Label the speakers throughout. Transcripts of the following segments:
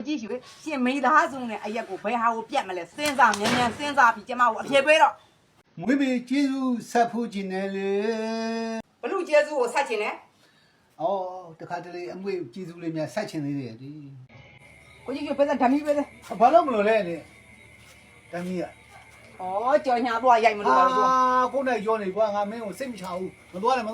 Speaker 1: ကြည့်ရှိရှင်မိသားစုနဲ့အရက်ကိုဘယ်ဟာကိုပြတ်မလဲစဉ်းစားမြန်မြန်စဉ်းစားပြီးကျမကိုအပြေပေးတော့
Speaker 2: မွေးပြီးကျေးဇူးဆက်ဖို့ကျင်တယ်လေ
Speaker 1: ဘလူကျေးဇူးကိုဆက်ချင်တယ်
Speaker 2: ဩတခါတလေအမွေကျေးဇူးလေးများဆက်ချင်သေးတယ်ဒီ
Speaker 1: ကိုကြည့်ရှိပဲဓာမီပဲလေ
Speaker 2: ဘာလို့မလို့လဲလေတမီးက
Speaker 1: ဩကြော်ညာသွားရိုက်မလို့ပါလို့
Speaker 2: ကိုနဲ့ရောနေကွာငါမင်းကိုစိတ်မချဘူးမသွားနဲ့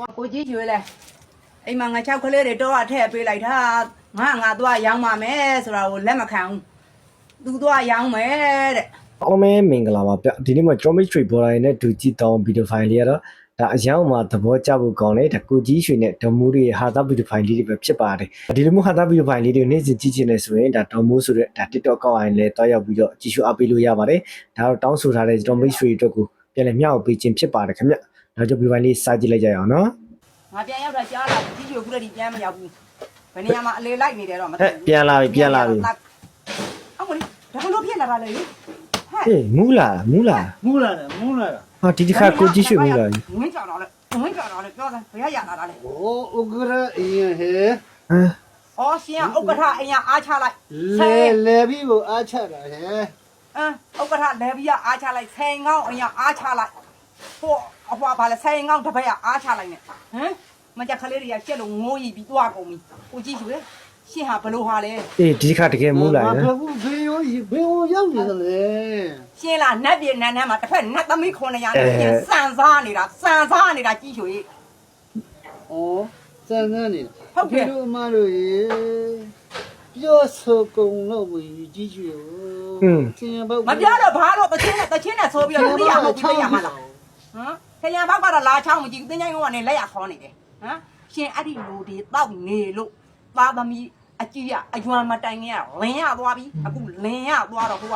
Speaker 1: ကိုကြည့်ရှိလေအိမ်မှာငါ6ကလေးတွေတော့အထည့်ပေးလိုက်တာငါသွားရောင်းပါမယ်ဆိုတာကိုလက်မခံဘူးသူသွားရောင်းမယ်တဲ့
Speaker 3: အားလုံးပဲမင်္ဂလာပါဗျဒီနေ့မှာ Drummy Tree Border နဲ့ဒူကြည့်တောင်းဗီဒီယိုဖိုင်လေးကတော့ဒါအရောက်မှာသဘောကျဖို့ကောင်းတယ်ဒါကိုကြီးရွှေနဲ့ဒေါ်မိုးတွေဟာတာဗီဒီယိုဖိုင်လေးတွေပဲဖြစ်ပါတယ်ဒီလိုမျိုးဟာတာဗီဒီယိုဖိုင်လေးတွေနေ့စဉ်ကြည့်ချင်နေဆိုရင်ဒါဒေါ်မိုးဆိုတဲ့ဒါ TikTok ကောက်ရင်လည်းတွားရောက်ပြီးတော့ကြည့်ရှုအားပေးလို့ရပါတယ်ဒါတော့တောင်းဆိုထားတဲ့ Drummy Tree အတွက်ကိုပြန်လည်မျှဝေပေးခြင်းဖြစ်ပါတယ်ခင်ဗျဒါကြောင့်ဗီဒီယိုဖိုင်လေးစကြည့်လိုက်ကြရအောင်နော်
Speaker 1: ငါပြန်ရောက်တာကြားလာကြည့်ရွခုတည်းပြန်မရောက်ဘူးဘယ်နေရာမှာအလေလိုက်နေတယ်တော့မသိဘူး
Speaker 3: ပြန်လာပြီ
Speaker 1: အော်မလေးဒါဘလို့ဖြစ်လာတာလဲဟဲ့
Speaker 3: ဟေးမူးလာ
Speaker 2: မူးလာ
Speaker 3: ဟာဒီတစ်ခါကိုကြီးရွှေမူးလာပြီ
Speaker 1: ဝင်းကြောင်တော့လေပြောစမ်းဘယ်ရလာတာလဲ
Speaker 2: ဩဥက္ကရအင်းဟဲ
Speaker 3: ဟမ်
Speaker 1: အော်ရှင်ကဥက္ကဋ္ဌအိမ်ကအားချလိုက်
Speaker 2: လေပြီးကိုအားချတာဟဲ
Speaker 1: ဥက္ကဋ္ဌလေဘီကအားချလိုက်ဆိုင်ငောင်းအိမ်ကအားချလိုက်ဟိုအဖွာဘာလဲဆိုင်ငောင်းတစ်ဖက်ကအားချလိုက်နဲ့ဟမ်မကြကလေးတွေကကျက်လို့ငိုးရီပြီးသွားကုန်ပြီကိုကြည့်ရွှေရှင်ဟာဘလို့ဟာလဲ
Speaker 3: အေးဒီတစ်ခါတကယ်မူးလာတယ်
Speaker 2: ဘေးရောရောက်နေတယ်လေ
Speaker 1: ရှင်လာနတ်ပြည်နန်းထဲမှာတစ်ဖက်နတ်သမီး900နဲ့ရှင်စံစားနေတာကြည့်ရွှေ
Speaker 2: ဩစမ်းစမ်းနေတို့အမတို့ရေပြောဆိုကုန်လို့ဝင်ကြီးကျွေချင်းဘောက်
Speaker 1: မပြောတော့ဘာလို့တချင်းနဲ့ဆိုပြီးတော့လူရမဟုတ်ဘူးရမှာလားဟမ်ခရံဘောက်ကတော့လာချောင်းမကြည့်ဘူးတင်းချိုင်းကနေလက်ရခေါ်နေတယ်ဟမ်ရှင်အဲ့ဒီလူတွေတောက်နေလို့သားသမီးအကြီးအယွမ်းမတိုင်ခင်ကလင်းရသွားပြီအခုလင်းရသွားတော့ဟို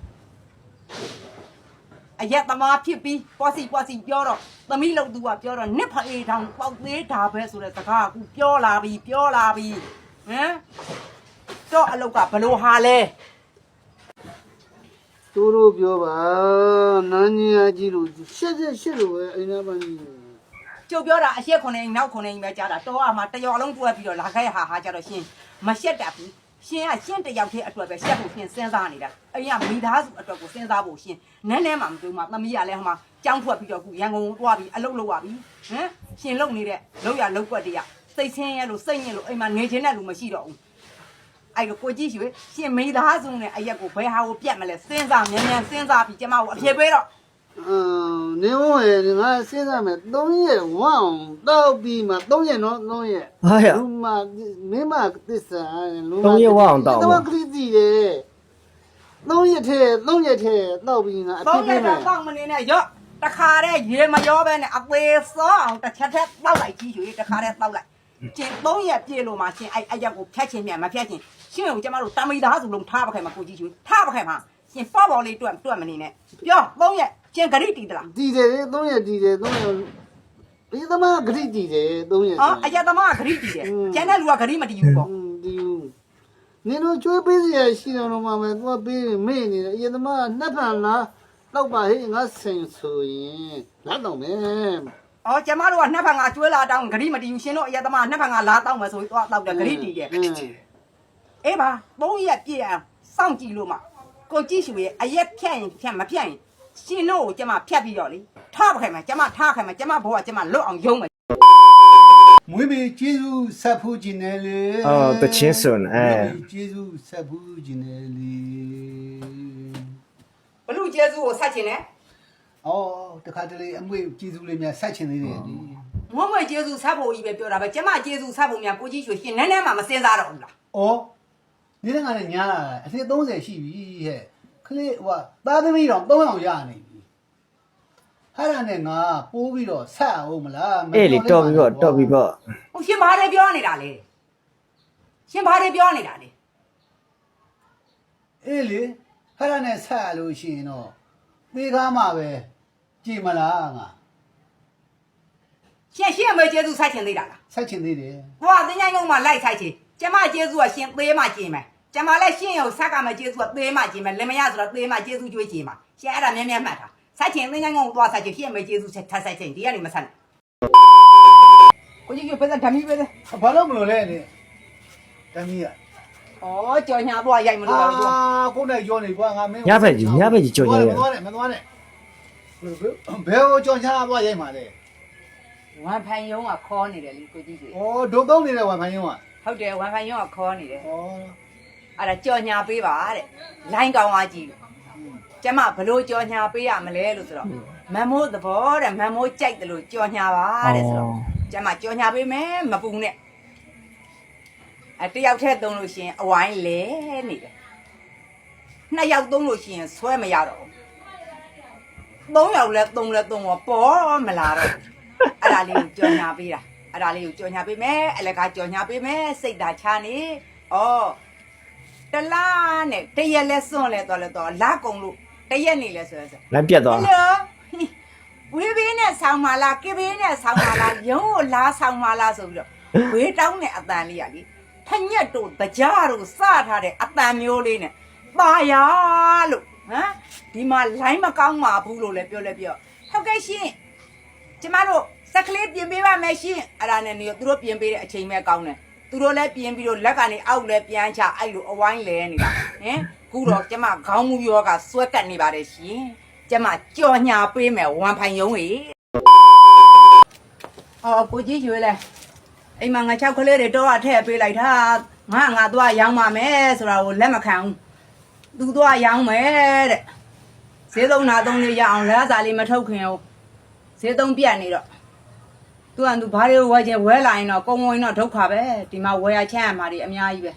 Speaker 1: ကအရက်သမားဖြစ်ပြီးပွားစီပြောတော့သမီးလို့သူကပြောတော့နစ်ဖေးတောင်ပေါက်သေးတာပဲဆိုတဲ့စကားအခုပြောလာပြီဟမ်တော့အလုတ်ကဘလို့ဟာလဲ
Speaker 2: တို့ပြောပါနန်းကြီးအကြီးလို့ရှက်လို့ပဲအိမ်သားပန်းကြီး
Speaker 1: ကျုပ်ပြောတာအရှက်9အိမ်နောက်9အိမ်ပဲကြားတာတော့အမှတရော်လုံးတွဲပြီးတော့လာခဲ့ဟာကြတော့ရှင်မရှက်တတ်ဘူးရှင်ကရှင်းတယောက်တည်းအတွက်ပဲရှက်ဖို့ရှင်စဉ်းစားနေတာအိမ်ကမိသားစုအတွက်ကိုစဉ်းစားဖို့ရှင်နန်းထဲမှာမတွေ့မှသမီးကလည်းဟိုမှာကြောင်းထွက်ပြီးတော့ခုရန်ကုန်ကိုတွားပြီးအလုပ်လုပ်ရပြီဟမ်ရှင်လုပ်နေတဲ့လောက်ရလောက်ွက်တည်းကစိတ်ဆင်းရဲလို့စိတ်ညစ်လို့အိမ်မှာနေချင်တဲ့လူမရှိတော့ဘူးအဲ့တော့ကိုကြည့်ရွှေရှင်မိသားစုနဲ့အရက်ကိုဘယ်ဟာကိုပြတ်မလဲစဉ်းစားမြန်မြန်စဉ်းစားပြီးကျမကိုအပြေပေးတော့
Speaker 2: နေဝဲငါစဉ်းစားမယ်3ရက်ဝအောင်တောက်ပြီးမှ3ရက်နော်3ရက်
Speaker 3: ဟာရ
Speaker 2: လူမမင်းမသစ္စာလူမ
Speaker 3: 3ရက်ဝအောင်တောက်
Speaker 2: တော့ခရီးစီတယ်3ရက်ထဲတောက်ပြီးငါအပြစ်ပေးမယ်
Speaker 1: တော့မနေနဲ့ရော့တခါတည်းရေမရောပဲနဲ့အသေးစောအောင်တစ်ချက်ထက်တောက်လိုက်ကြည့်ရွှေတခါတည်းတောက်လိုက်ကျင်3ရက်ပြည့်လို့မှရှင်အဲ့အရက်ကိုဖြတ်ချင်းမြန်မဖြတ်ချင်းရှင်ကိုကျမတို့တမိသားစုလုံးထားပခိုင်မှာကိုကြည့်ရွှေထားပခိုင်မှာရှင်ပေါ်လေးတွတ်မနေနဲ့ပြော3ရက်ကျင်ဂရိတီတလား
Speaker 2: တီးတယ်3ရက်တီးတယ်3ရက်ဒီသမားဂရိတီးတယ်3ရက်
Speaker 1: ဟောအရက်သမားကဂရိတီတယ်ကျန်တဲ့လူကဂရိမတီဘူးပေါ့
Speaker 2: ဒီနင်တို့ကျွေးပေးစရာရှိတယ်တော့မှမယ်သူကပေးမေ့နေတယ်အရင်သမားနှက်ဖန်လားတော့ပါဟေ့ငါဆင်ဆိုရင်လာတော့မယ်
Speaker 1: အော်ကျမတို့ကနှစ်ဖန်ကကျွေးလာတောင်းဂရိမတီဘူးရှင်တို့အရက်သမားနှစ်ဖန်ကလာတောင်းမယ်ဆိုပြီးတော့တောက်တယ်ဂရိတီတယ်အေးပါ3ရက်ပြည့်အောင်စောင့်ကြည့်လို့မှကိုကြည့်ရွှေရဲ့အရက်ဖြတ်ရင်ဖြတ်မဖြတ်ရင်ရှင်တို့ကိုကျမဖြတ်ပြီးတော့လေထားပခိုင်မှာကျမထားခိုင်မှာကျမဘောကကျမလွတ်အောင်ယုံမယ်
Speaker 2: မွေးပြီးကျေးဇူးဆက်ဖို့ကျင်တယ်လေ
Speaker 3: အော်တချင်းစွန်အဲ
Speaker 2: ကျေးဇူးဆက်ဖို့ကျင်တယ်လေ
Speaker 1: ဘလူကျေးဇူးကိုဆက်ချင်တယ်
Speaker 2: တခါတလေအမွေကျေးဇူးလေးများဆက်ချင်သေးတယ်ဒီ
Speaker 1: ငုံငွေကျေးဇူးဆက်ဖို့ကြီးပဲပြောတာပဲကျမကျေးဇူးဆက်ဖို့များကိုကြည့်ရွှေရှင်နည်းနည်းမှမစင်စားတော့ဘူးလား
Speaker 2: နေ့ကလည်းညားလာအထက်30ရှိပြီဟဲ့ခလေးဟိုသားသမီးတော့300ရနေပြီဟာရနဲ့ငါပိုးပြီးတော့ဆက်အောင်မလား
Speaker 3: အေးလေတော့ပြီးတော့
Speaker 1: ဟိုရှင်ဘာတွေပြောနေတာလဲရှင်ဘာတွေပြောနေတာလဲ
Speaker 2: အေးလေဟာရနဲ့ဆက်လို့ရှိရင်တော့သေကားမှာပဲကြည်မလားငါ
Speaker 1: ရှင်အမေကျေးဇူးဆက်ချင်သေးတာလား
Speaker 2: ဆက်ချင်သေးတယ်
Speaker 1: ဟိုကတင်းချိုင်းကုန်းမှာလိုက်ဆိုင်ချင်ကျမကျေးဇူးကရှင်သေးမှကျင်မယ်ကျမလည်းရှင်ရုံဆက်ကမှကျေးဇူးကသေးမှကျင်မယ်လင်မရဆိုတော့သေးမှကျေးဇူးကြွေးကျင်မှာရှင်အဲ့ဒါမြဲမှတ်တာဆက်ချင်တင်းချိုင်းကုန်းကိုသွားဆက်ချင်ရှင်အမေကျေးဇူးထပ်ဆက်ချင်ဒီကနေမဆက်နဲ့ကိုကြီးကပဲဓာမီပဲလေ
Speaker 2: ဘာလို့မလို့လဲလေတမီးက
Speaker 1: ဩကြော်ညာသွားရိုက်မလို့ပါဘူး
Speaker 2: ကိုနဲ့ကြောနေကွာငါမင်း
Speaker 3: ညဘက်ကြီးကြော်ညာရ
Speaker 2: မသွားနဲ့မသွားနဲ့ဘယ်ကိုကြောညာသွားရိုက်မှာလဲ
Speaker 1: ဝမ်ဖိုင်ယုံကခေါ်နေတယ်လေကိုကြီးကြီး
Speaker 2: ဩဒုံသုံးနေတဲ့ဝမ်ဖိုင်ယုံက
Speaker 1: ဟုတ်တယ်ဝမ်ဖိုင်ယုံကခေါ်နေတယ်
Speaker 2: ဩ
Speaker 1: အဲ့ဒါကြော်ညာပေးပါတဲ့လိုင်းကောင်းသွားကြည့်ကျမဘလို့ကြော်ညာပေးရမလဲလို့ဆိုတော့မန်မိုးသဘောတဲ့မန်မိုးကြိုက်တယ်လို့ကြော်ညာပါတဲ့ဆိုတော့ကျမကြော်ညာပေးမယ်မပူနဲ့တယောက်တည်းသုံးလို့ရှိရင်အဝိုင်းလဲနေတယ်နှစ်ယောက်သုံးလို့ရှိရင်ဆွဲမရတော့သုံးယောက်လဲသုံးတော့ပေါ်မလာတော့အဲ့ဒါလေးကိုကြော်ညာပေးတာအဲ့ဒါလေးကိုကြော်ညာပေးမယ်အလကားကြော်ညာပေးမယ်စိတ်ဓာတ်ချနေဩတလားနဲ့တရက်လဲစွန့်လဲတော့လာကုန်လို့တရက်နေလဲဆိုရယ်
Speaker 3: လက်ပြတ်သွား
Speaker 1: ဟယ်လိုဝေးဘေးနဲ့ဆောင်းပါလားကေဘေးနဲ့ဆောင်းပါလားရုံးကိုလာဆောင်းပါလားဆိုပြီးတော့ဝေးတောင်းတဲ့အတန်လေးရလीထညက်တို့တကြားတို့စထားတဲ့အတန်မျိုးလေးနဲ့ပါရလို့ဟမ်ဒီမှာလိုင်းမကောင်းပါဘူးလို့လည်းပြောဟုတ်ကဲ့ရှင်ကျမတို့စက်ကလေးပြင်ပေးပါမယ်ရှင်အဲ့ဒါနဲ့နေသူတို့ပြင်ပေးတဲ့အချိန်ပဲကောင်းတယ်သူတို့လည်းပြင်ပြီးတော့လက်ကနေအောက်လည်းပြန်ချအဲ့လိုအဝိုင်းလဲနေတာဟင်ခုတော့ကျမခေါင်းမူရောကစွဲကတ်နေပါတယ်ရှင်ကျမကြော်ညာပေးမယ်ဝမ်ဖိုင်ယုံကြီးကိုကြီးရွေးလဲအိမ်မှာငါ6ကလေးတွေတော့အထည့်ပေးလိုက်တာငါသွားရောင်းပါမယ်ဆိုတာကိုလက်မခံဘူးသူသွားရောင်းမယ်တဲ့ဈေးသုံးနာသုံးလေးရအောင်လက်စားလေးမထုတ်ခင်ဘူးဈေးသုံးပြတ်နေတော့သူကသူဘာတွေဝယ်ချင်ဝယ်လာရင်တော့ကုံဝင်တော့ဒုက္ခပဲဒီမှာဝယ်ရချမ်းရမှာတွေအများကြီးပဲ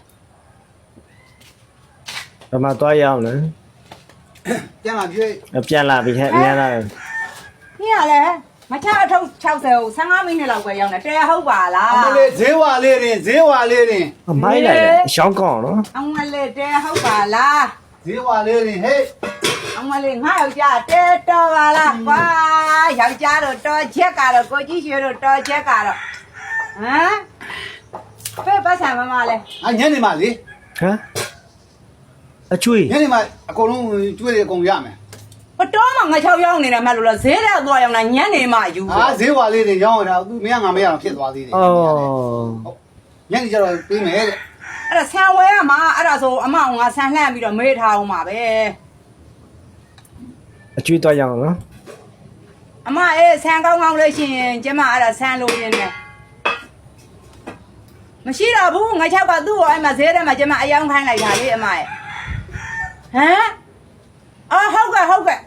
Speaker 3: ဘယ်မှာသွားရအောင်လဲ
Speaker 2: ပြန်လာပြေး
Speaker 3: ပြန်လာပြီဟဲ့မြန်လာတယ်
Speaker 1: ။ညလေမချအထုပ်60ကို15မိနစ်လောက်ပဲရောက်နေတယ်ဟုတ်ပါလား
Speaker 2: အမလေးဈေးဝါလေးတင်ဈေးဝါလေးတင်
Speaker 3: မိုင်းလိုက်တယ်ရှောင်းကောင်းနော်
Speaker 1: ။အမလေးတဲဟုတ်ပါလား
Speaker 2: ဈေးဝါလေးတင်ဟေး
Speaker 1: ။အမလေးငါယောက်ျားတဲတော်ပါလားကွာ။ယောက်ျားတို့တော်ချက်ကတော့ကိုကြီးရွှေတို့တော်ချက်ကတော့ဟမ်ဖေးပတ်ဆံမမလဲ
Speaker 2: ညနေမှလေ
Speaker 3: ဟမ်အချွေ
Speaker 2: ညနေမှအကုန်လုံးကျွေးတယ်အကုန်ရမယ်
Speaker 1: ။ဘတော်မှငါ6ရောက်နေတယ်မှလို့လားဈေးတဲ့သွားရောက်နေညနေမှယူ
Speaker 2: ဈေးဝါလေးတင်ရောင်းရတာသူမင်းကငါမရအောင်ဖြစ်သွားသေးတယ်
Speaker 3: အော်
Speaker 2: ညနေကျတော့ပေးမယ်တဲ့
Speaker 1: ။အဲ့ဒါဆန်ဝဲရမှာအဲ့ဒါဆိုအမအောင်ငါဆန်လှမ်းပြီးတော့မေးထားအောင်ပါပဲ
Speaker 3: အချွေသွားရအောင်နော်
Speaker 1: ။အမဆန်ကောင်းလေးရှင်ကျမအဲ့ဒါဆန်လို့ရင်းနဲ့မရှိတော့ဘူးငါ6ကသူ့ကိုအဲ့မှာဈေးထဲမှာကျမအယောင်ခိုင်းလိုက်တာလေအမရဲ့ဟမ်အော်ဟုတ်ကဲ့ဟမ်ငါ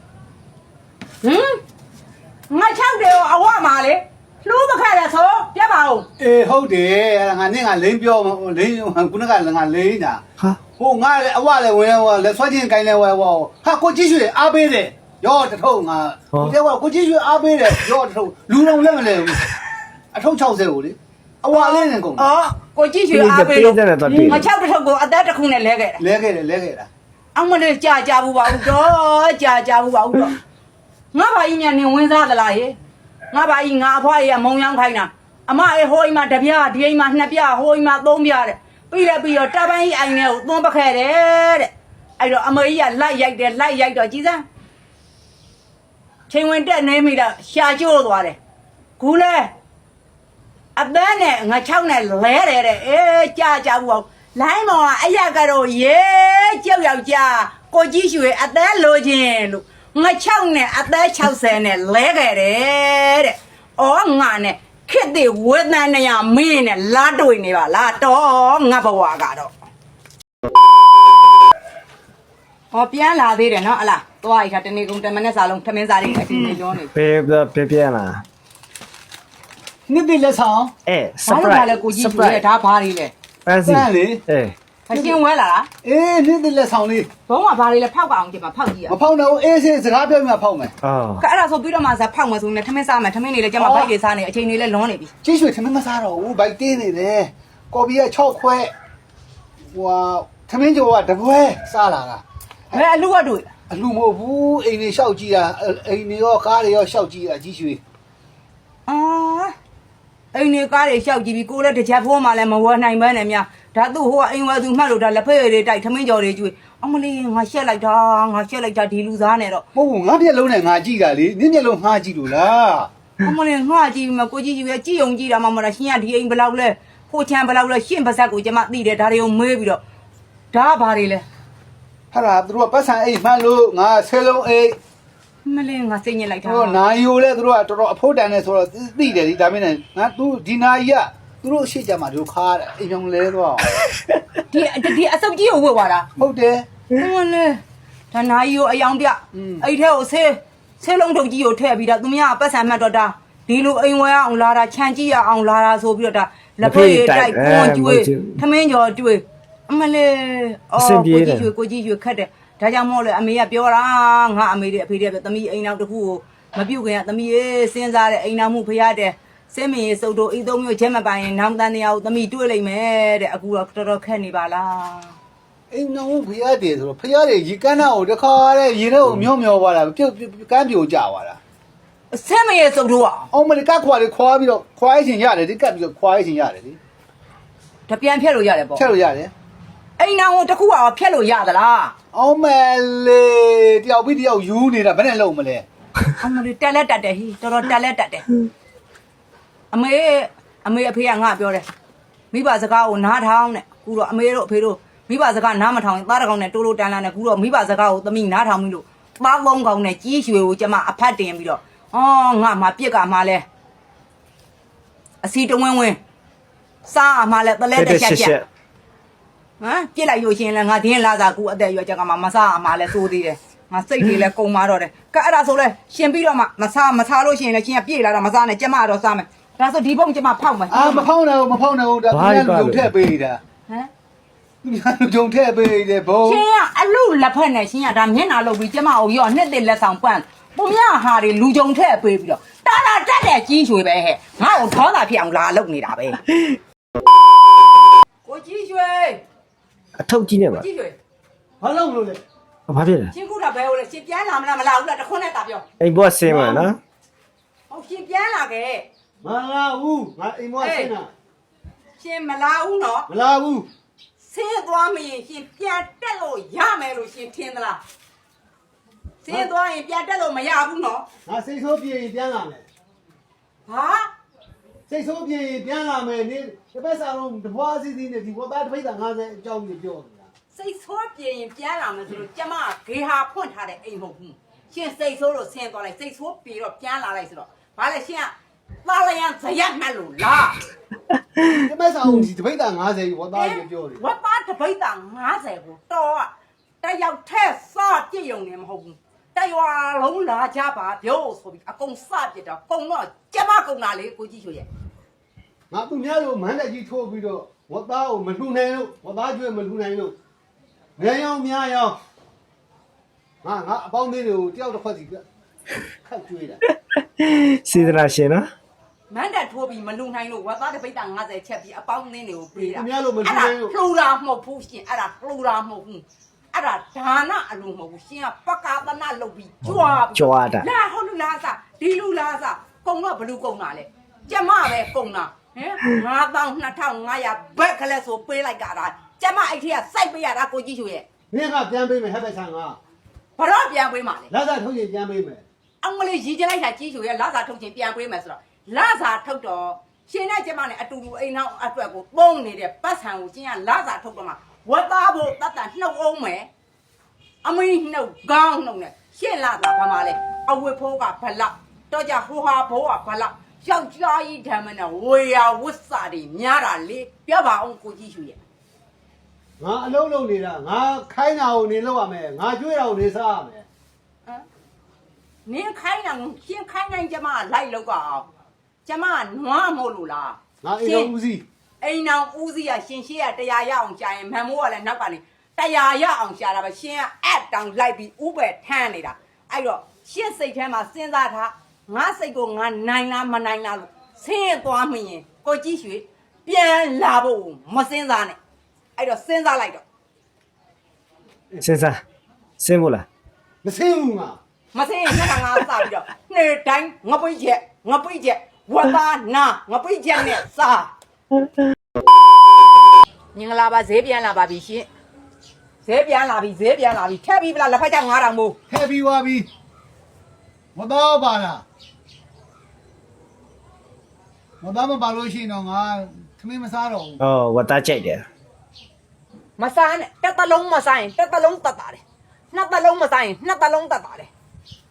Speaker 1: 6တယ်အဝမှာလေလှူးမခက်ရဆိုပြတ်ပါဦး
Speaker 2: အေးဟုတ်တယ်ငါနဲ့ငါလိမ့်ပြောလိမ့်ခုနကငါလိမ့်တာ
Speaker 3: ဟာ
Speaker 2: ဟိုငါလည်းအဝလည်းဝင်လက်ဆွဲချင်းကိုင်းလည်းဝဲဝဟာကိုကြည့်ရွှေအားပေးတယ်ရောတထုံငါကိုကြည့်ရွှေအားပေးတယ်ရောတထုံလူတော်လည်းမလဲဘူးအထုံ60ကိုလေအဝလေးနဲ့ကုန်
Speaker 1: အော်ကိုကြည့်ရွှေအားပေးလို့ငါ6တစ်ထုပ်ကိုအသက်တစ်ခုနဲ့လဲခဲ့တာ
Speaker 2: လဲခဲ့တာ
Speaker 1: အမလေးကြာဘူးပါဦးတော့ကြာဘူးပါဦးတော့ငါဘာကြီးမြန်နေဝင်စားသလားဟေငါဘာကြီးငါအဖွားကြီးကမုံရောင်းခိုင်းတာအမဟိုအိမ်မှာတစ်ပြားဒီအိမ်မှာနှစ်ပြားဟိုအိမ်မှာသုံးပြားတဲ့ပြီးတော့တပန်းကြီးအိမ်ထဲကိုသွန်းပခဲတယ်တဲ့အဲ့တော့အမေကြီးကလိုက်ရိုက်တော့ကြည်စမ်းချိန်ဝင်တက်နေမိတော့ရှာကျိုးသွားတယ်ခုလဲအပန်းနဲ့ငါ6နဲ့လဲတယ်တဲ့ကြာဘူးအောင်လိုင်းမောင်ကအရက်ကတော့ကြောက်ယောက်ျားကိုကြီးရွှေအသက်လိုချင်လို့ငါ6နဲ့အသက်60နဲ့လဲခဲ့တယ်တဲ့။အော်ငါနဲ့ခစ်တဲ့ဝေဒနာနဲ့မင်းနဲ့လာတွေ့နေပါလားတော့ငါဘဝကတော့။ဟောပြန်လာသေးတယ်နော်အလား။သွားရခါတနေ့ကုန်တမနဲ့စာလုံးထမင်းစားတွေအတင်းနေရောနေ
Speaker 3: ပြန်လာ
Speaker 2: နှစ်တိလက်ဆောင်
Speaker 1: ။ဘာလို့လဲကိုကြီးရွှေဒါဘာတွေလဲ
Speaker 3: ပန်းစီ
Speaker 2: စမ်းလေ
Speaker 1: ။အရှင်းဝဲလာလား
Speaker 2: နှစ်တိလက်ဆောင်လေး
Speaker 1: ။ဘုံကဘာတွေလဲဖောက်ပါအောင်ကြည့်ပါဖောက်ကြည့်ရ
Speaker 2: မဖောက်တော့အေးစေးစကားပြောမှဖောက်မယ်
Speaker 3: အော်
Speaker 1: ။ကဲအဲ့ဒါဆိုပြီးတော့မှစားဖောက်မယ်ဆိုရင်ထမင်းစားမယ်ထမင်းတွေလည်းကျမဘိုက်တွေစားနေအချိန်တွေလည်းလွန်နေပြီ
Speaker 2: ကြည့်ရွှေထမင်းမစားတော့ဘူးဘိုက်တင်းနေတယ်ကော်ပီက6ခွဲဟိုထမင်းကျော်ကတပွဲစားလာတာ
Speaker 1: ။ဘယ်အလူကတွေ့
Speaker 2: အလူမဟုတ်ဘူးအိမ်တွေလျှောက်ကြည့်တာအိမ်တွေရောကားတွေရောလျှောက်ကြည့်တာကြည့်ရွှေ
Speaker 1: ။အော်အိမ်နေကားတွေရှောက်ကြည့်ပြီးကိုလည်းတစ်ချက်ဖိုးမှလည်းမဝယ်နိုင်ပဲနဲ့များဒါသူ့ဟိုကအိမ်ဝယ်သူမှတ်လို့ဒါလက်ဖက်ရည်တွေတိုက်ထမင်းကြော်တွေကျွေးအမလေးငါရှက်လိုက်တာဒီလူသားနဲ့တော့
Speaker 2: မဟုတ်ဘူးငါမျက်လုံးနဲ့ငါကြည့်တာလေနင်းမျက်လုံးငါကြည့်လို့လား
Speaker 1: အမလေးငါကြည့်မကိုကြီးကြီးပဲကြည့်ုံကြည့်တာမှမဟုတ်တာရှင်ကဒီအိမ်ဘယ်လောက်လဲဖိုးချမ်းဘယ်လောက်လဲရှင့်ပါဇက်ကိုကျမသိတယ်ဒါတွေကိုမေးပြီးတော့ဒါဘာတွေလဲ
Speaker 2: ဟာလားသူတို့ကပတ်စံအိတ်မှန်လို့ငါဆယ်လုံးအိတ်
Speaker 1: မလေးငါစိတ်ညစ်လိုက်
Speaker 2: သူ
Speaker 1: တာ
Speaker 2: တို့နာယိုလဲသူတို့ကတော်တော်အဖို့တန်နေဆိုတော့သိတယ်ဒီဒါမင်းနဲ့ငါသူဒီနာကြီးကသူတို့ရှေ့ကြမှာတို့ခါတယ်အိမ်ပြောင်းလဲသွားအောင်
Speaker 1: ဒီအစုပ်ကြီးကိုဝတ်သွားတာ
Speaker 2: ဟုတ်တယ်
Speaker 1: မလေးဒါနာကြီးကိုအယောင်ပြအဲ့ထဲကိုဆေးလုံးထုတ်ကြီးကိုထည့်ပြီးတော့သူများပတ်စံမှတ်တော့တာဒီလိုအိမ်ဝဲအောင်လာတာခြံကြည့်ရအောင်လာတာဆိုပြီးတော့ဒါလက်ဖေးတိုက်ကွန်ကျွေးထမင်းကျော်တွေးအမလေးကိုကြီးရွှေခတ်တယ်ဒါကြောင့်မို့လဲအမေကပြောတာငါအမေတွေအဖေတွေပဲသမီးအိမ်နောက်တစ်ခုကိုမပြုတ်ခင်ကသမီးရေးစဉ်းစားတဲ့အိမ်နောက်မှုဖရတဲ့စင်းမင်းစုပ်တို့ဤသုံးမျိုးချက်မပိုင်ရင်နောက်တန်းတရားကိုသမီးတွေးလိုက်မယ်တဲ့အခုတော့တော်တော်ခက်နေပါလား
Speaker 2: အိမ်တော်ဖရားတယ်ဆိုတော့ဖရားတယ်ရေကန်းနာကိုတခါတဲ့ရေထဲကိုမျောသွားတာပြုတ်ကန်းပြိုကျသွားတာ
Speaker 1: စင်းမင်းစုပ်တို့อ่ะ
Speaker 2: အောင်မလကခွာလေးခွာပြီးတော့ခွာရခြင်းရတယ်ဒီကပ်ပြီးတော့ခွာရခြင်းရတယ်လေ
Speaker 1: တပြန်ဖြတ်လို့ရတယ်ပေါ့
Speaker 2: ချက်လို့ရတယ်
Speaker 1: အိမ်နောက်ကိုတစ်ခုอ่ะဖြတ်လို့ရသလား
Speaker 2: အောင်မလေးတယောက်ပြီးတယောက်ယူနေတာဘယ်နဲ့လုံးမလဲ
Speaker 1: အမလေးတက်လက်တက်တယ်ဟိတော်တော်တက်လက်တက်တယ်အမေအဖေကငါပြောတယ်မိဘစကားကိုနားထောင်တဲ့ကူတော့အမေတို့အဖေတို့မိဘစကားနားမထောင်ရင်သားတကောင်နဲ့တိုးတိုးတန်းတန်းနဲ့ကူတော့မိဘစကားကိုသမီးနားထောင်ပြီလို့သားလုံးကောင်နဲ့ကြီးရွှေကိုကျမအဖတ်တင်ပြီးတော့အော်ငါမှပြစ်ကမှလဲအစီတဝင်းဝင်းစားမှလဲတလဲတက်ချက်ချက်ဟမ်ပြစ်လိုက်လို့ရှိရင်လည်းငါဒင်းလာစားကူအသက်ရွယ်ချက်ကမှမစားမှလဲစိုးသေးတယ်ငါစိတ်တွေလည်းကုံမာတော့တယ်ကဲအဲ့ဒါဆိုလဲရှင်ပြီးတော့မှမစားလို့ရှိရင်လည်းရှင်ကပြေးလာတော့မစားနဲ့ကျမတော့စားမယ်ဒါဆိုဒီဘုံကျမဖောက်မယ်
Speaker 2: အာမဖောင်းနဲ့မဖောင်းနဲ့ဒါသူများလူထည့်ပေးတာ
Speaker 1: ဟမ်
Speaker 2: သူများလူကြုံထည့်ပေးတယ်ဘုံ
Speaker 1: ရှင်ကအလူလက်ဖက်နဲ့ရှင်ကဒါမျက်နှာလုပ်ပြီးကျမကိုရောနှစ်သိလက်ဆောင်ပန့်ပုံမြဟာတွေလူကြုံထည့်ပေးပြီးတော့တာတက်တဲ့ကြီးရွှေပဲဟဲ့ငါ့ကိုထောတာဖြစ်အောင်လာလုပ်နေတာပဲကိုကြီးရွှေ
Speaker 3: အထုပ်ကြီးနဲ့ပါ
Speaker 1: ကိုကြီးရွှေ
Speaker 2: ဘာလို့မလို့လဲ
Speaker 3: ဘာဖြစ်လဲ
Speaker 1: ရှင်ခုတာဘဲဟိုလေရှင်ပြန်လာမလားမလာဘူးလားတခွန်းနဲ့တာပြော
Speaker 3: အိမ်ဘောဆင်းမှာနော်
Speaker 1: ဟုတ်ရှင်ပြန်လာခဲ့
Speaker 2: မလာဘူးငါအိမ်မဆင်းတာ
Speaker 1: ရှင်မလာဘူးနော်
Speaker 2: မလာဘူး
Speaker 1: ဆင်းသွားမရင်ရှင်ပြန်တက်လို့ရမယ်လို့ရှင်ထင်သလားဆင်းသွားရင်ပြန်တက်လို့မရဘူးနော်
Speaker 2: ငါစိတ်ဆိုးပြေရင်ပြန်လာမယ်
Speaker 1: ဟာ
Speaker 2: စိတ်ဆိုးပြေရင်ပြန်လာမယ်နေတစ်ပတ်စာလုံးတပွားစီစီနဲ့ဒီဝတ်သားတစ်ပိတ်တာ50အကြောင်းကြီးပြောနေတာ
Speaker 1: စိတ်ဆိုးပြင်ရင်ပြန်လာမယ်ဆိုလို့ကျမဂေဟာဖွင့်ထားတဲ့အိမ်မဟုတ်ဘူးရှင်စိတ်ဆိုးလို့ဆင်းသွားလိုက်စိတ်ဆိုးပြေတော့ပြန်လာလိုက်ဆိုတော့ဘာလဲရှင်ကသားလျံဇရက်မှတ်လို့လား
Speaker 2: တစ်ပတ်စာလုံးဒီတစ်ပိတ်တာ50ဝတ်သားကြီးပြောတယ်
Speaker 1: ဝတ်သားတပိတ်တာ90ကိုတော်ကတယောက်ထက်စပြည့်ုံနေမဟုတ်ဘူးတရွာလုံးလာကြပါပြောဆိုပြီးအကုန်စပြစ်တော့ကုံတော့ကျမကုံတာလေကိုကြီးရွှေရဲ့
Speaker 2: ငါသူများလိုမန်းတက်ကြီးထိုးပြီးတော့ဝတ်သားကိုမလှူနိုင်လို့ဝတ်သားကျွေးမလှူနိုင်လို့ငယ်ရောင်များရောင်ငါအပေါင်းသေးတွေကိုတယောက်တစ်ခွက်စီခတ်ကျွေးတာ
Speaker 3: စေတနာရှင်နော်
Speaker 1: မန်းတက်ထိုးပြီးမလူနိုင်လို့ဝတ်သားတပိတ်တာ90ချက်ပြီးအပေါင်းအသင်းတွေကိုပေးတာ
Speaker 2: သူများလိုမလှူနိုင်လို့
Speaker 1: လှူတာမဟုတ်ဘူးရှင်အဲ့ဒါလှူတာမဟုတ်ဘူးအဲ့ဒါဒါနအလိုမဟုတ်ဘူးရှင်ကပကာသနာလုပ်ပြီးကြွား
Speaker 3: ကြွားတာ
Speaker 1: လာဟုတ်လူလားစားဒီလူလားစားကုံတော့ဘလူကုံတာလေကျမပဲကုံတာဟင်92,500ဘက်ကလေးဆိုပေးလိုက်ကြတာကျမအဲ့ထက်ကစိုက်ပေးရတာကိုကြီးရွှေရဲ့
Speaker 2: မင်းကပြန်ပေးမယ်ဟဲ့ပဲဆန်က
Speaker 1: ဘတော့ပြန်ပေးမှာလေ
Speaker 2: လက်စားထုတ်ရင်ပြန်ပေးမယ်
Speaker 1: အောင်မလေးရည်ကြလိုက်တာကြီးရွှေရဲ့လာစာထုတ်ခြင်းပြန်ပေးမယ်ဆိုတော့လာစာထုတ်တော့ရှင်နဲ့ကျမနဲ့အတူတူအိမ်နောက်အတွက်ကိုပုံနေတဲ့ပတ်ဆံကိုကျင်းကလာစာထုတ်တော့မှဝတ်သားဖို့တတ်တာနှုတ်အောင်မယ်အမင်းနှုတ်ကောင်းနှုတ်နဲ့ရှင်းလာတာဘာမှလဲအဝတ်ဖိုးကဘလောက်တော့ကြဟိုဟာဘိုးကဘလောက်ယောက်ျားကြီးဓမ္မနဲ့ဝေယဝတ်စာတွေများတာလေပြောပါအောင်ကိုကြီးရွှေရဲ့
Speaker 2: ငါအလုံးလုံးနေတာငါခိုင်းတာကိုနေလောက်ရမယ်ငါကျွေးတာကိုနေစားရမယ်
Speaker 1: နင်းခိုင်းတာရှင်းခိုင်းနိုင်ကျမလိုက်လောက်ကအောင်ကျမနွားမို့လို့လား
Speaker 2: ငါအိမ်တော်ဦးစီး
Speaker 1: အိမ်အောင်ဦးစီးကရှင်ရှိရတရားရအောင်ကြာရင်မန်မိုးကလည်းနောက်ကနေတရားရအောင်ရှာတာပဲရှင်ကအက်တောင်လိုက်ပြီးဥပဲထမ်းနေတာအဲ့တော့ရှင်းစိတ်ထဲမှာစဉ်းစားထားငါစိတ်ကိုငါနိုင်လားမနိုင်လားလို့ဆင်းသွားမရင်ကိုကြီးရွှေပြန်လာဖို့မစဉ်းစားနဲ့အဲ့တော့စဉ်းစားလိုက်တော့
Speaker 3: စဉ်းစားစင်းဘူးလား
Speaker 2: မစင်းဘူးငါ
Speaker 1: မစင်းရင်ငါစပြီးတော့နေ့တိုင်းငပိတ်ချက်ဝတ်သားနာငပိတ်ချက်နဲ့စားမင်္ဂလာပါဈေးပြန်လာပါပြီရှင်ဈေးပြန်လာပြီထက်ပြီးဗလားလက်ဖက်ချက်9000မို့
Speaker 2: ထည့်ပြီးသွားပြီမတော်ပါလားမတော်မပါလို့ရှိရင်တော့ငါသမင်းမစားတော့ဘူး
Speaker 3: ဩဝတ်သားကြိုက်တယ်
Speaker 1: မစားနဲ့တက်တလုံးမစားရင်တက်တလုံးတက်တာတယ်နှစ်တလုံးမစားရင်နှစ်တလုံးတက်တာတယ်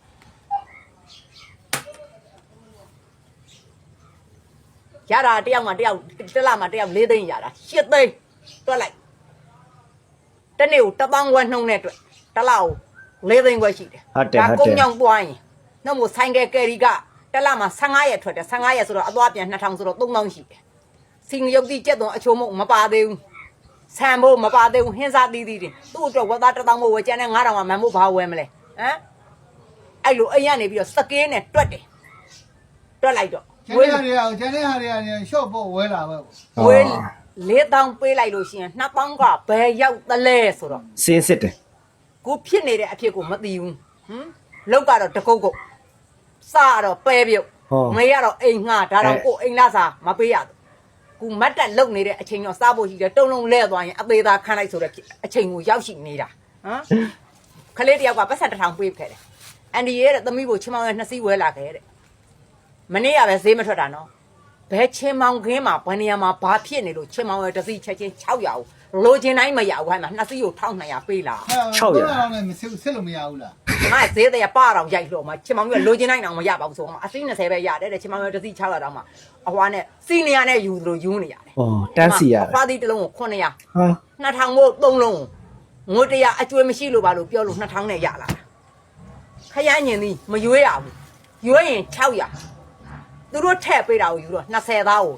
Speaker 1: ရတာတယောက်မှတယောက်တစ်လမှတယောက်၄သိန်းရတာ၈သိန်းတွက်လိုက်တနေ့ကို1000 ဝက်နှုံးနဲ့အတွက်တစ်လကို၄သိန်းဝက်ရှိတယ်
Speaker 3: ဟုတ်တယ်
Speaker 1: ကုန်းကြောင်ပွားရင်နှုတ်မို့ဆိုင်ကယ်ကယ်ရီကတစ်လမှာ15ရက်ထွက်တယ်15ရက်ဆိုတော့အသွားပြန်2000ဆိုတော့3000ရှိတယ်စင်ရုပ်တိကျက်တော့အချိုးမုံမပါသေးဘူးဆန်ဖို့မပါသေးဘူးဟင်းစားသီးသီးတင်သူ့အတွက်ဝက်သား1000မို့ဝယ်ကျန်တဲ့9000ကမန်မို့ဘာဝယ်မလဲဟမ်အဲ့လိုအိမ်ကနေပြီးတော့စကေးနဲ့တွက်တယ်တွက်လိုက်တော့
Speaker 2: ကျန်တဲ့ဟာတွေကကျန်တဲ့ဟာတွေကရှော့ဖို့ဝဲလာပဲပေါ့
Speaker 1: ဝယ်4000ပေးလိုက်လို့ရှိရင်2000ကဘယ်ရောက်သလဲဆိုတော့
Speaker 3: စင်းစစ်တယ်
Speaker 1: ကိုဖြစ်နေတဲ့အဖြစ်ကိုမသိဘူးဟမ်လောက်ကတော့တကုတ်ကုတ်စားတော့ပဲပြုတ်မေးရတော့အိမ်ငှားဒါတော့ကိုအိမ်လာစားမပေးရဘူးကူမတ်တက်လုံနေတဲ့အချိန်တော့စားဖို့ရှိတယ်တုံလုံးလဲသွားရင်အသေးသားခန်းလိုက်ဆိုတဲ့အချိန်ကိုရောက်ရှိနေတာဟမ်ခလေးတယောက်ကပတ်ဆက်1000ပေးခဲ့တယ်အန်ဒီရဲ့သမီးကိုချင်းမောင်ရဲ့2စီးဝဲလာခဲ့တဲ့မနေ့ကပဲဈေးမထွက်တာနော်ဘဲချင်းမောင်ခင်းမှာဘယ်နေရာမှာဘာဖြစ်နေလို့ချင်းမောင်ရဲ့2စီးချက်ချင်း600လိုချင်တိုင်းမရဘူးဟဲ့မှာ2စီးကို1200ပေးလာ
Speaker 2: 600နဲ့မစစ်လို့မရဘူးလား
Speaker 1: ငါဈေးတဲ့ပါတော့ရိုက်လို့မှာချင်းမောင်ကလိုချင်တိုင်းတော့မရပါဘူးဆိုတော့အစီး20ပဲရတယ်တဲ့ချင်းမောင်ရဲ့2စီး600တောင်မှအဟွာနဲ့စီနီယာနဲ့ယူသလိုယူနေရတယ်
Speaker 3: ဩတန်းစီရတယ်
Speaker 1: အဖားသီးတစ်လုံးကို900
Speaker 3: ဟာ
Speaker 1: 2000မို့3လုံးငွေ100အကျွေးမရှိလို့ပါလို့ပြောလို့2000နဲ့ရလာတာခရမ်းညင်သည်မရွေးရဘူးရွေးရင်600သူတို့ထည့်ပေးတာကိုယူတော့20သားကို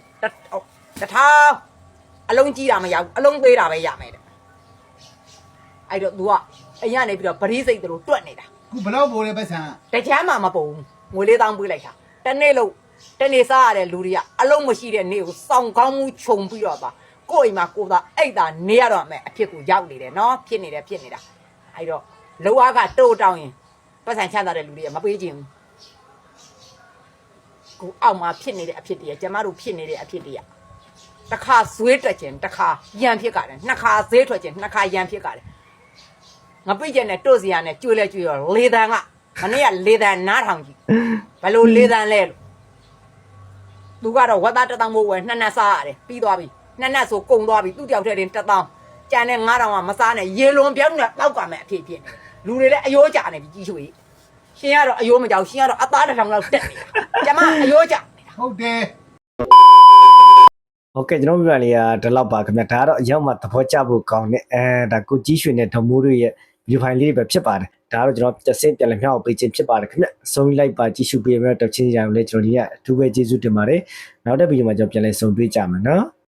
Speaker 1: 1000အလုံးကြီးတာမရဘူးအလုံးသေးတာပဲရမယ်တဲ့အဲ့တော့ तू ကအရင်ကနေပြီးတော့ပရိစိတ်တို့တွက်နေတာ
Speaker 2: ခုဘလောက်ပိုးလဲပတ်စံ
Speaker 1: တကြမ်းမှမပုံဘူးငွေ4000ပေးလိုက်တာတနေ့လို့တနေ့စားရတဲ့လူတွေကအလုံးမရှိတဲ့နေ့ကိုစောင့်ကောင်းမှုခြုံပြီးတော့ပါကိုယ့်အိမ်မှာကိုယ်သာအိတ်သာနေရတော့မယ်အဖြစ်ကိုရောက်နေတယ်နော်ဖြစ်နေတာအဲ့တော့လောအားကတိုးတောင်းရင်ပတ်စံချမ်းသာတဲ့လူတွေကမပေးခြင်းဘူးကိုအောက်မှာဖြစ်နေတဲ့အဖြစ်တွေကကျမတို့ဖြစ်နေတဲ့အဖြစ်တွေကတစ်ခါဇွေးတက်ခြင်းတစ်ခါရန်ဖြစ်ကြတယ်နှစ်ခါဈေးထွက်ခြင်းနှစ်ခါရန်ဖြစ်ကြတယ်ငါပြည့်ကျင်တဲ့တို့စီရနဲ့ကျွေးလဲကျွေးရောလေတန်ကမနေ့ကလေတန်နားထောင်ကြည့်ဘယ်လိုလေတန်လဲလို့သူကတော့ဝက်သား1000မို့ဝယ်နှစ်စားရတယ်ပြီးသွားပြီနှစ်ဆိုကုန်သွားပြီသူ့တယောက်တည်းတင်1000ကျန်တဲ့9000ကမစားနဲ့ရေလွန်ပြောင်းနဲ့တောက်ကမယ်အဖြစ်ဖြစ်လူတွေလည်းအယိုးကြနေပြီကြီးရွှေရှင်ကတော့အယိုးမကြောက်ရှင်ကတော့အသား1000လောက်တက်နေတာကျမအယိုးကြနေတာ
Speaker 2: ဟုတ်တယ်
Speaker 3: โอเคကျွန်တော်ပြပြလေးကဒီလောက်ပါခင်ဗျာဒါကတော့အရောက်မှသဘောကျဖို့ကောင်းတယ်ဒါကိုကြီးရွှေနဲ့ဓမိုးတို့ရဲ့ view file လေးတွေပဲဖြစ်ပါတယ်ဒါကတော့ကျွန်တော်တစ်ဆင့်ပြန်လည်မျှောက်ပေးခြင်းဖြစ်ပါတယ်ခင်ဗျာဆုံးလိုက်ပါကြည့်ရှုပေးရတဲ့တချင်းကြံလည်းကျွန်တော်ဒီကအထူးပဲကျေးဇူးတင်ပါတယ်နောက်တဲ့ဗီဒီယိုမှာကျွန်တော်ပြန်လည်ဆုံတွေ့ကြမယ်နော်